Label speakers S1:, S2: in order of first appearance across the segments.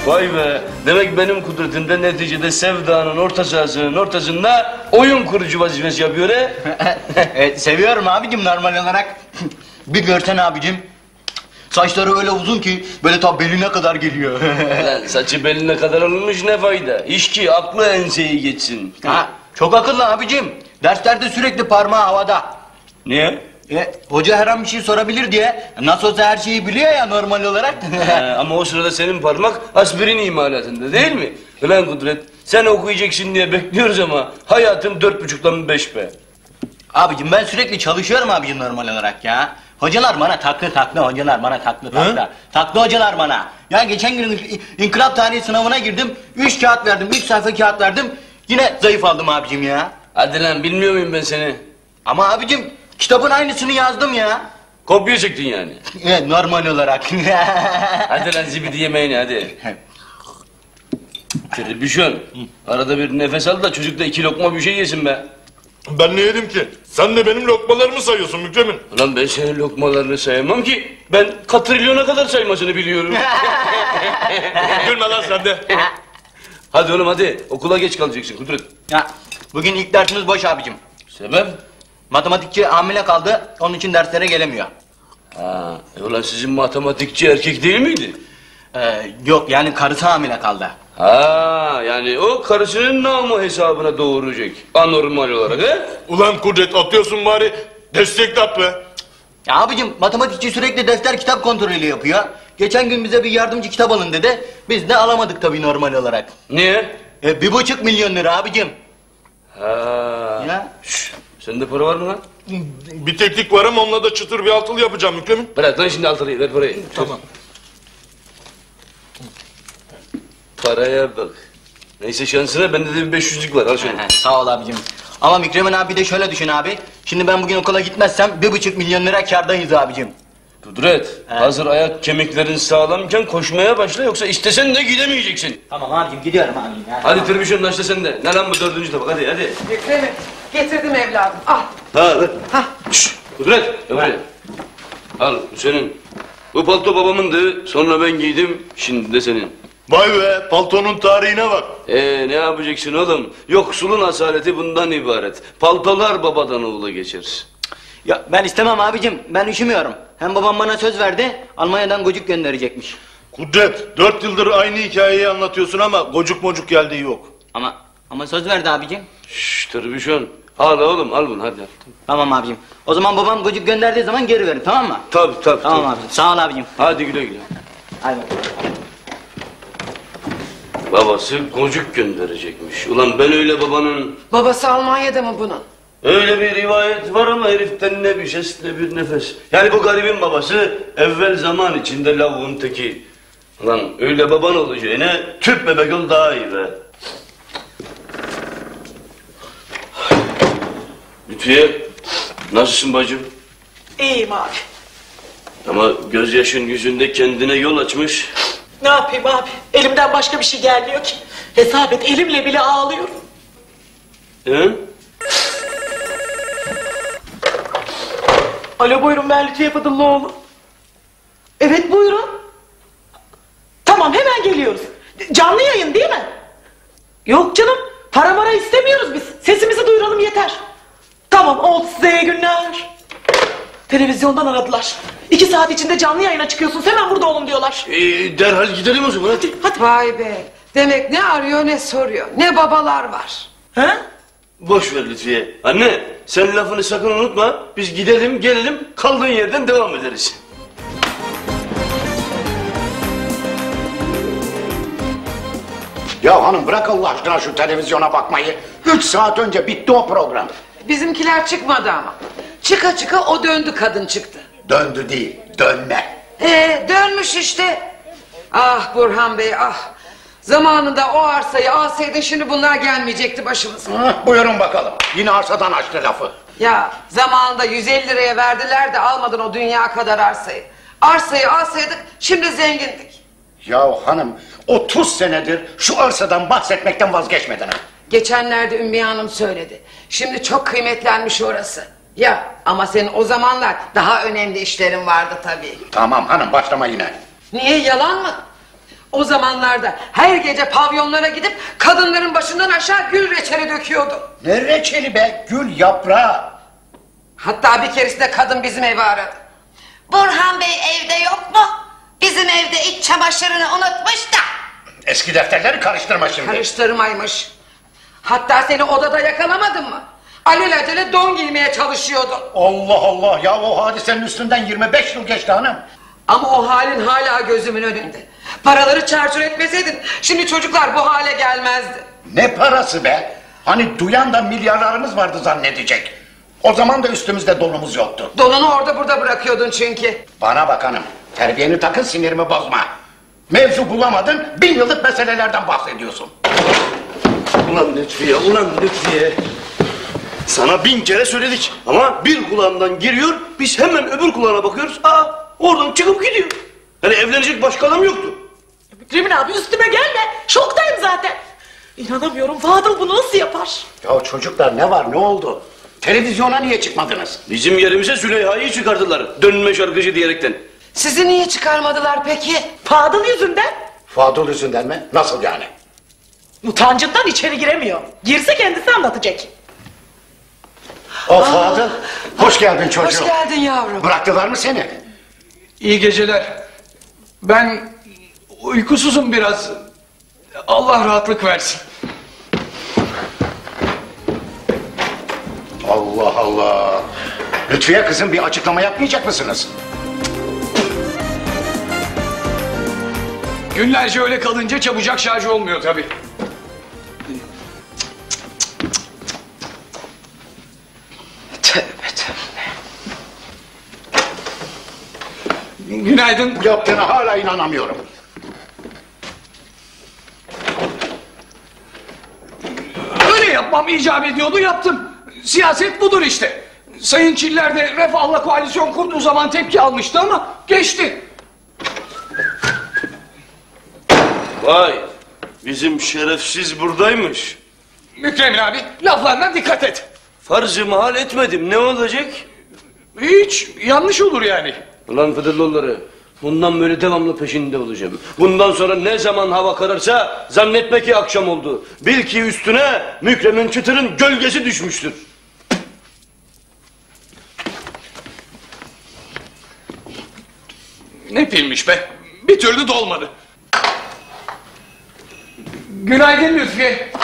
S1: Vay be. Demek benim kudretimde neticede Sevda'nın orta sahasının ortasında oyun kurucu vazifesi yapıyor he?
S2: Evet, seviyorum abicim normal olarak. Bir görsen abicim. Saçları öyle uzun ki böyle ta beline kadar geliyor.
S1: Lan saçı beline kadar olmuş ne fayda? İş ki aklı enseyi geçsin.
S2: Ha, çok akıllı abicim. Derslerde sürekli parmağı havada.
S1: Niye?
S2: Hoca her an bir şey sorabilir diye. Nasıl olsa her şeyi biliyor ya normal olarak.
S1: Ama o sırada senin parmak aspirin imalatında değil mi? Ulan Kudret, sen okuyacaksın diye bekliyoruz ama hayatım 4,5'dan 5 be.
S2: Abicim ben sürekli çalışıyorum abicim normal olarak ya. Hocalar bana taklı hocalar bana taklı. Taklı hocalar bana. Ya geçen gün inkılap tarihi sınavına girdim. 3 kağıt verdim, 3 sayfa kağıt verdim. Yine zayıf aldım abicim ya.
S1: Hadi lan bilmiyor muyum ben seni?
S2: Ama abicim kitabın aynısını yazdım ya.
S1: Kopya çektin yani.
S2: Evet normal olarak.
S1: Hadi lan zibidi yemeğini hadi. Tribüşon. Arada bir nefes al da çocuk da 2 lokma bir şey yesin be.
S3: Ben ne yedim ki? Sen de benim lokmalarımı sayıyorsun Mükremin.
S1: Ulan ben senin lokmalarını sayamam ki. Ben katrilyona kadar saymasını biliyorum.
S3: Gülme lan sen de.
S1: Hadi oğlum hadi. Okula geç kalacaksın Kudret.
S2: Ya, bugün ilk dersimiz boş abicim.
S1: Sebep?
S2: Matematikçi hamile kaldı. Onun için derslere gelemiyor.
S1: Ha, ulan sizin matematikçi erkek değil miydi?
S2: Yok yani karısı hamile kaldı.
S1: Ha, yani o karısının namı hesabına doğuracak. Anormal olarak he?
S3: Ulan Kudret atıyorsun bari. Destek at be.
S2: Ya abicim matematikçi sürekli defter kitap kontrolü yapıyor. Geçen gün bize bir yardımcı kitap alın dedi. Biz de alamadık tabii normal olarak.
S1: Niye?
S2: 1,5 milyon lira abicim.
S1: Ha.
S2: Ya.
S1: Şşş, sende para var mı lan?
S3: Bir teknik var ama onunla da çıtır bir altılı yapacağım Mükremin.
S1: Bırak lan şimdi altılıyı ver parayı.
S3: Tamam.
S1: Paraya bak. Neyse şansına bende de bir 500'lük var al şunu.
S2: Sağ ol abicim. Ama Mükremin abi de şöyle düşün abi. Şimdi ben bugün okula gitmezsem 1,5 milyon lira kârdayız abicim.
S1: Kudret, hazır ayak kemiklerin sağlamken koşmaya başla yoksa istesen de gidemeyeceksin.
S2: Tamam abicim gidiyorum abicim. Ya,
S1: Hadi tribüşon başla sen de. Ne lan bu 4. tabak hadi.
S4: Mükremin getirdim evladım al.
S1: Ha ver. Şşş Kudret gel buraya. Al bu senin. Bu palto babamındı sonra ben giydim şimdi de senin.
S3: Vay be paltonun tarihine bak.
S1: Ne yapacaksın oğlum? Yoksulun asaleti bundan ibaret. Paltolar babadan oğula geçer.
S2: Ya ben istemem abicim. Ben üşümüyorum. Hem babam bana söz verdi. Almanya'dan gocuk gönderecekmiş.
S3: Kudret 4 yıldır aynı hikayeyi anlatıyorsun ama gocuk mocuk geldiği yok.
S2: Ama söz verdi abicim.
S1: Şşş tribüşon. Al oğlum al bunu hadi.
S2: Tamam abicim. O zaman babam gocuk gönderdiği zaman geri verin tamam mı?
S1: Tabii.
S2: Tamam abicim. Sağ ol abicim.
S1: Hadi güle güle.
S2: Hadi.
S1: Babası gocuk gönderecekmiş. Ulan ben öyle babanın...
S4: Babası Almanya'da mı bunun?
S1: Öyle bir rivayet var ama heriften ne bir ses ne bir nefes. Yani bu garibin babası evvel zaman içinde lavuğun teki. Ulan öyle baban olacağına tüp bebek ol daha iyi be. Lütfiye nasılsın bacım?
S4: İyiyim abi.
S1: Ama gözyaşın yüzünde kendine yol açmış.
S4: Ne yapayım abi? Elimden başka bir şey gelmiyor ki. Hesap et elimle bile ağlıyorum.
S1: He?
S4: Alo buyurun ben Lütfiye Fadıllıoğlu. Evet buyurun. Tamam hemen geliyoruz. Canlı yayın değil mi? Yok canım para mara istemiyoruz biz. Sesimizi duyuralım yeter. Tamam oldu size iyi günler. Televizyondan aradılar. 2 saat içinde canlı yayına çıkıyorsunuz hemen burada olun diyorlar.
S1: Derhal gidelim o zaman hadi.
S5: Vay be. Demek ne arıyor ne soruyor. Ne babalar var.
S4: He?
S1: Boş ver Lütfiye. Anne sen lafını sakın unutma. Biz gidelim gelelim kaldığın yerden devam ederiz.
S6: Ya hanım bırak Allah aşkına şu televizyona bakmayı. 3 saat önce bitti o program.
S5: Bizimkiler çıkmadı ama. Çıka çıka o döndü kadın çıktı.
S6: Döndü değil, dönme.
S5: Dönmüş işte. Ah Burhan Bey ah. Zamanında o arsayı alsaydı şimdi bunlar gelmeyecekti başımıza.
S6: Buyurun bakalım. Yine arsadan açtı lafı.
S5: Ya zamanında 150 liraya verdiler de almadın o dünya kadar arsayı. Arsayı alsaydık şimdi zengindik.
S6: Ya hanım 30 senedir şu arsadan bahsetmekten vazgeçmedin ha.
S5: Geçenlerde Ümmüye Hanım söyledi. Şimdi çok kıymetlenmiş orası. Ya ama senin o zamanlar daha önemli işlerin vardı tabii.
S6: Tamam hanım başlama yine.
S5: Niye yalan mı? O zamanlarda her gece pavyonlara gidip kadınların başından aşağı gül reçeli döküyordu.
S6: Ne reçeli be? Gül yaprağı.
S5: Hatta bir keresinde kadın bizim evi aradı.
S7: Burhan Bey evde yok mu? Bizim evde iç çamaşırını unutmuş da.
S6: Eski defterleri karıştırma şimdi.
S5: Karıştırmaymış. Hatta seni odada yakalamadım mı? Alelacele don giymeye çalışıyordun.
S6: Allah Allah ya, o hadisenin üstünden 25 yıl geçti hanım.
S5: Ama o halin hala gözümün önünde. Paraları çarçur etmeseydin şimdi çocuklar bu hale gelmezdi.
S6: Ne parası be? Hani duyan da milyarlarımız vardı zannedecek. O zaman da üstümüzde donumuz yoktu.
S5: Donunu orada burada bırakıyordun çünkü.
S6: Bana bak hanım, terbiyeni takın, sinirimi bozma. Mevzu bulamadın, 1000 yıllık meselelerden bahsediyorsun.
S1: Ulan Lütfiye, ulan Lütfiye. Sana 1000 kere söyledik ama bir kulağından giriyor, biz hemen öbür kulağına bakıyoruz. Aa, oradan çıkıp gidiyor. Yani evlenecek başka adam yoktu.
S4: Mükremin abi üstüme gelme. Şoktayım zaten. İnanamıyorum, Fadıl bunu nasıl yapar?
S6: Ya çocuklar, ne var, ne oldu? Televizyona niye çıkmadınız?
S1: Bizim yerimize Züleyha'yı çıkardılar. Dönme şarkıcı diyerekten.
S5: Sizi niye çıkarmadılar peki?
S4: Fadıl yüzünden.
S6: Fadıl yüzünden mi? Nasıl yani?
S4: Utancından içeri giremiyor. Girse kendisi anlatacak.
S6: O Fadıl, hoş geldin çocuğum.
S5: Hoş geldin yavrum.
S6: Bıraktılar mı seni?
S8: İyi geceler. Ben uykusuzum biraz. Allah rahatlık versin.
S6: Allah Allah. Lütfiye kızım, bir açıklama yapmayacak mısınız?
S8: Günlerce öyle kalınca çabucak şarj olmuyor tabii.
S5: Tövbe tövbe.
S8: Günaydın.
S6: Bu yaptığına hala inanamıyorum.
S8: Öyle yapmam icap ediyordu, yaptım. Siyaset budur işte. Sayın Çiller de Refah'la koalisyon kurduğu zaman tepki almıştı ama geçti.
S1: Vay, bizim şerefsiz buradaymış.
S8: Mükremin abi, laflarına dikkat et.
S1: Farz-ı mahal etmedim, ne olacak?
S8: Hiç yanlış olur yani.
S1: Ulan Fıdırlıoğulları, bundan böyle devamlı peşinde olacağım. Bundan sonra ne zaman hava kararsa zannetme ki akşam oldu. Bil ki üstüne Mükremin Çıtır'ın gölgesi düşmüştür.
S8: Ne pilmiş be, bir türlü dolmadı. Günaydın Lütfiye.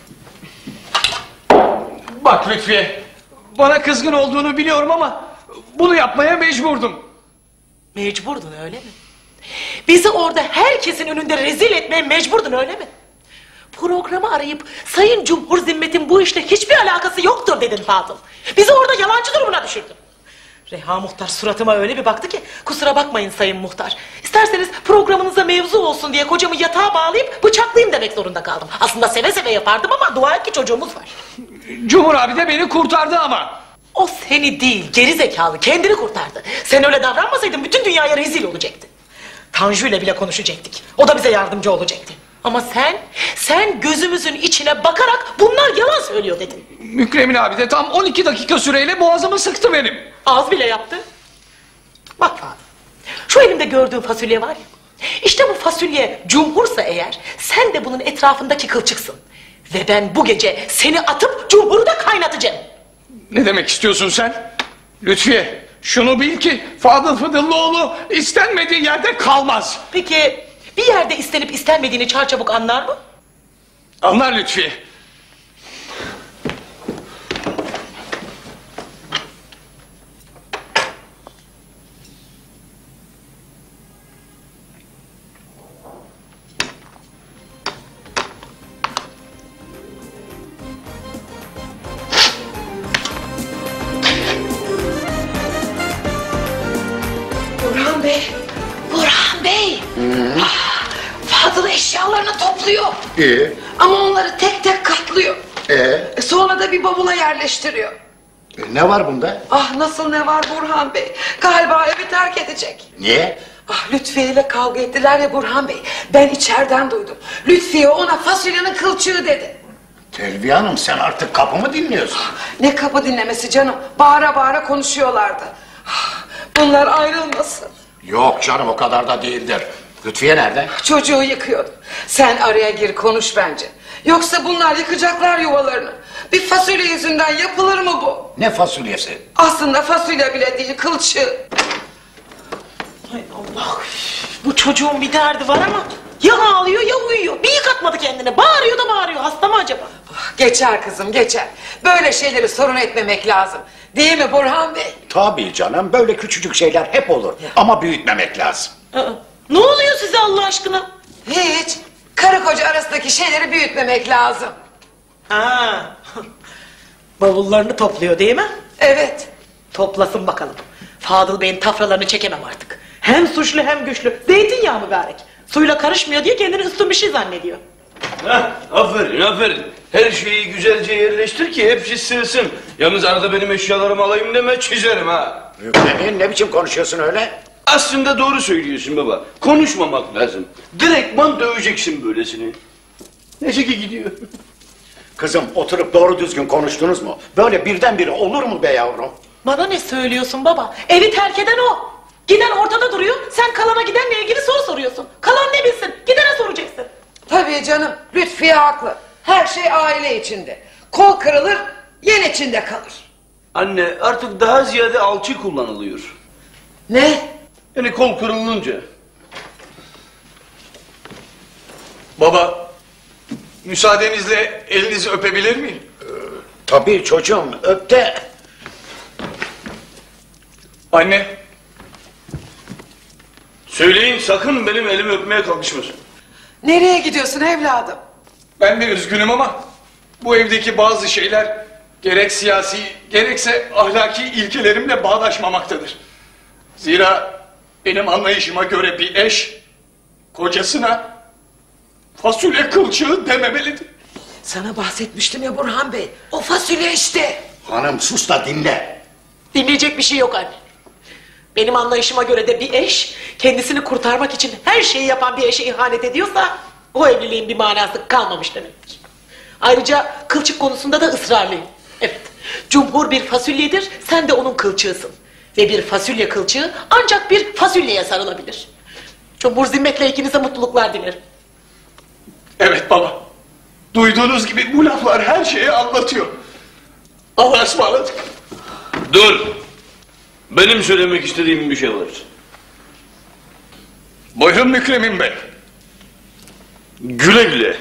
S8: Bak Lütfiye, bana kızgın olduğunu biliyorum ama bunu yapmaya mecburdum.
S4: Mecburdun öyle mi? Bizi orada herkesin önünde rezil etmeye mecburdun öyle mi? Programı arayıp Sayın Cumhur Zimmet'in bu işle hiçbir alakası yoktur dedin Fadıl. Bizi orada yalancı durumuna düşürdün. Reha Muhtar suratıma öyle bir baktı ki kusura bakmayın Sayın Muhtar. İsterseniz programınıza mevzu olsun diye kocamı yatağa bağlayıp bıçaklayayım demek zorunda kaldım. Aslında seve seve yapardım ama dua et ki çocuğumuz var.
S8: Cumhur abi de beni kurtardı ama.
S4: O seni değil geri zekalı kendini kurtardı. Sen öyle davranmasaydın bütün dünyaya rezil olacaktı. Tanju ile bile konuşacaktık. O da bize yardımcı olacaktı. Ama sen gözümüzün içine bakarak bunlar yalan söylüyor dedin.
S8: Mükremin abi de tam 12 dakika süreyle boğazımı sıktı benim.
S4: Az bile yaptı. Bak Fadıl, şu elimde gördüğün fasulye var ya. İşte bu fasulye cumhursa eğer sen de bunun etrafındaki kılçıksın. Ve ben bu gece seni atıp cumhuru da kaynatacağım.
S8: Ne demek istiyorsun sen? Lütfiye, şunu bil ki Fadıl Fıdıllıoğlu istenmediği yerde kalmaz.
S4: Peki bir yerde istenip istenmediğini çarçabuk anlar mı?
S8: Anlar Lütfiye.
S5: Burhan Bey. Burhan Bey. Ah, Fadıl eşyalarını topluyor.
S6: İyi.
S5: Ama onları tek tek katlıyor. Sonra da bir bavula yerleştiriyor.
S6: Ne var bunda?
S5: Ah nasıl ne var Burhan Bey? Galiba evi terk edecek.
S6: Niye?
S5: Ah Lütfiye ile kavga ettiler ya Burhan Bey. Ben içeriden duydum. Lütfiye ona fasulyenin kılçığı dedi.
S6: Telviye Hanım, sen artık kapımı dinliyorsun.
S5: Ne kapı dinlemesi canım. Bağıra bağıra konuşuyorlardı. Ah, bunlar ayrılmasın.
S6: Yok canım, o kadar da değildir. Lütfiye nerede?
S5: Çocuğu yıkıyordu. Sen araya gir konuş bence. Yoksa bunlar yıkacaklar yuvalarını. Bir fasulye yüzünden yapılır mı bu?
S6: Ne fasulyesi?
S5: Aslında fasulye bile değil, kılçığı.
S4: Hay Allah. Bu çocuğun bir derdi var ama ya ağlıyor ya uyuyor. Bir yıkatmadı kendini. Bağırıyor da bağırıyor. Hasta mı acaba?
S5: Geçer kızım, geçer. Böyle şeyleri sorun etmemek lazım. Değil mi Burhan Bey?
S6: Tabii canım, böyle küçücük şeyler hep olur. Ama büyütmemek lazım.
S4: Ne oluyor size Allah aşkına?
S5: Hiç. Karı koca arasındaki şeyleri büyütmemek lazım.
S4: Ha. Bavullarını topluyor değil mi?
S5: Evet.
S4: Toplasın bakalım. Fadıl Bey'in tafralarını çekemem artık. Hem suçlu hem güçlü. Zeytinyağı mübarek. Suyla karışmıyor diye kendini üstün bir şey zannediyor.
S1: Heh, aferin aferin. Her şeyi güzelce yerleştir ki hepsi sığsın. Yalnız arada benim eşyalarımı alayım deme, çizerim ha.
S6: Mükremin, ne biçim konuşuyorsun öyle?
S1: Aslında doğru söylüyorsun baba. Konuşmamak lazım. Direktman döveceksin böylesini. Neyse ki gidiyor.
S6: Kızım, oturup doğru düzgün konuştunuz mu? Böyle birdenbire olur mu be yavrum?
S4: Bana ne söylüyorsun baba? Evi terk eden o. Giden ortada duruyor. Sen kalana gidenle ilgili soru soruyorsun. Kalan ne bilsin? Gidene soracaksın.
S5: Tabii canım, Lütfiye haklı. Her şey aile içinde. Kol kırılır, yen içinde kalır.
S1: Anne, artık daha ziyade alçı kullanılıyor.
S5: Ne?
S1: Yani kol kırılınca.
S8: Baba, müsaadenizle elinizi öpebilir miyim?
S6: Tabii çocuğum, öp de.
S8: Anne,
S1: Söyleyin, sakın benim elimi öpmeye kalkışmasın.
S5: Nereye gidiyorsun evladım?
S8: ben de üzgünüm ama bu evdeki bazı şeyler gerek siyasi gerekse ahlaki ilkelerimle bağdaşmamaktadır. Zira benim anlayışıma göre bir eş kocasına fasulye kılçığı dememelidir.
S5: Sana bahsetmiştim ya Burhan Bey. O fasulye işte.
S6: Hanım sus da dinle.
S4: Dinleyecek bir şey yok anne. Benim anlayışıma göre de bir eş kendisini kurtarmak için her şeyi yapan bir eşe ihanet ediyorsa o evliliğin bir manası kalmamış demektir. Ayrıca kılçık konusunda da ısrarlıyım. Evet, cumhur bir fasulyedir, sen de onun kılçığısın. Ve bir fasulye kılçığı ancak bir fasulyeye sarılabilir. Cumhur zimmetle ikinize mutluluklar dilerim.
S8: Evet baba. Duyduğunuz gibi bu laflar her şeyi anlatıyor. Allah'a ısmarladık.
S1: Dur. Benim söylemek istediğim bir şey var.
S8: Buyurun Mükremin Bey.
S1: Güle güle.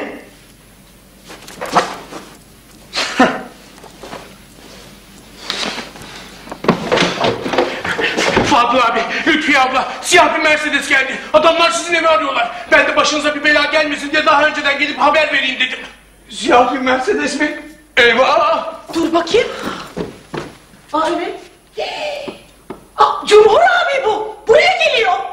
S9: Fadıl abi, Lütfiye abla, siyah bir Mercedes geldi. Adamlar sizin evi arıyorlar. Ben de başınıza bir bela gelmesin diye daha önceden gelip haber vereyim dedim.
S8: Siyah bir Mercedes mi? Eyvah!
S4: Dur bakayım. Aa evet. Aa, Cumhur abi bu. Buraya geliyor.